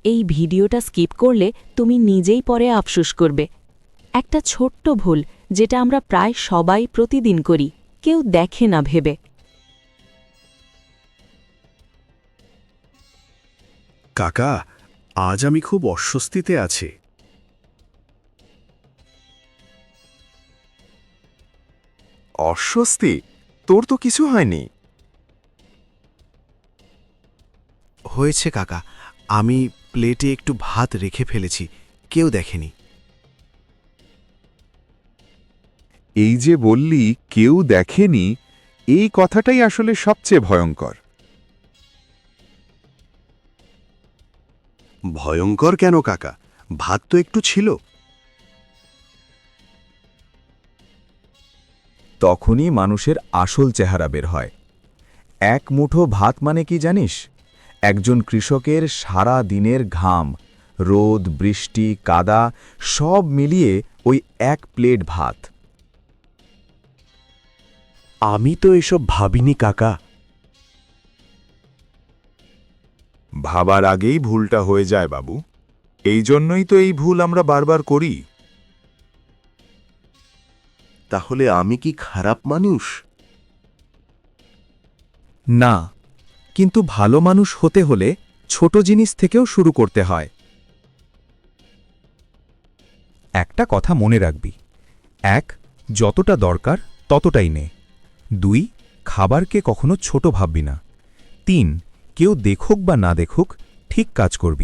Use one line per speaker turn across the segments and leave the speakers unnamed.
এই ভিডিওটা স্কিপ করলে তুমি নিজেই পরে আফসোস করবে। একটা ছোট্ট ভুল যেটা আমরা প্রায় সবাই প্রতিদিন করি, কেউ দেখে না ভেবে।
কাকা, আজ আমি খুব অস্বস্তিতে আছি।
অস্বস্তি? তোর তো কিছু হয়নি।
হয়েছে কাকা, আমি প্লেটে একটু ভাত রেখে ফেলেছি, কেউ দেখেনি।
এই যে বললি কেউ দেখেনি, এই কথাটাই আসলে সবচেয়ে ভয়ঙ্কর।
ভয়ঙ্কর কেন কাকা? ভাত তো একটু ছিল।
তখনই মানুষের আসল চেহারা বের হয়। এক মুঠো ভাত মানে কি জানিস? একজন কৃষকের সারা দিনের ঘাম, রোদ, বৃষ্টি, কাদা সব মিলিয়ে ওই এক প্লেট ভাত।
আমি তো এসব ভাবিনি কাকা।
ভাবার আগেই ভুলটা হয়ে যায় বাবু। এই জন্যই তো এই ভুল আমরা বারবার করি।
তাহলে আমি কি খারাপ মানুষ?
না, কিন্তু ভালো মানুষ হতে হলে ছোট জিনিস থেকেও শুরু করতে হয়। একটা কথা মনে রাখবি, ১. যতটা দরকার ততটাই নে। ২. খাবারকে কখনো ছোট ভাববি না। ৩. কেউ দেখুক বা না দেখুক, ঠিক কাজ করবি।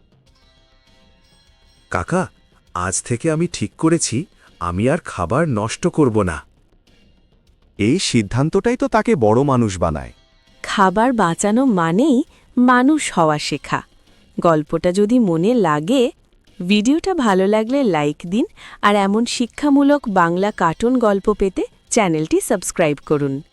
কাকা, আজ থেকে আমি ঠিক করেছি আমি আর খাবার নষ্ট করব না।
এই সিদ্ধান্তটাই তো তাকে বড় মানুষ বানায়।
খাবার বাঁচানো মানেই মানুষ হওয়া শেখা। গল্পটা যদি মনে লাগে, ভিডিওটা ভালো লাগলে লাইক দিন, আর এমন শিক্ষামূলক বাংলা কার্টুন গল্প পেতে চ্যানেলটি সাবস্ক্রাইব করুন।